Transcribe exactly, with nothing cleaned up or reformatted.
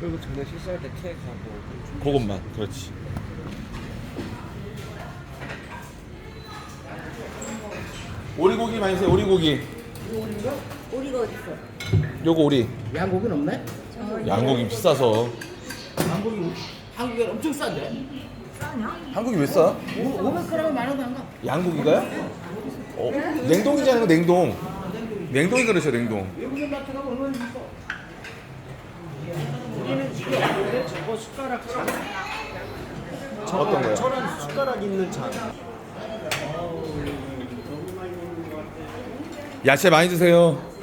그리고 전에 실수할 때 케이크하고 그것만. 그렇지. 오리고기 많이 세요. 오리고기. 오리가 어딨어? 요거 오리. 양고기는 없네? 양고기 비싸서. 양고기 한국에 엄청 싼데? 싸냐? 한국이 왜 싸? 오백 그램에 만 원도 안 가. 양고기가요? 어, 냉동이잖아요. 냉동. 냉동이 그러죠. 냉동. 외국인 마트 가면 얼마나 비싸? 우리는 이게 없는데 저거 숟가락 잔. 어떤 거요? 저런 숟가락 있는 잔. 야채 많이 드세요.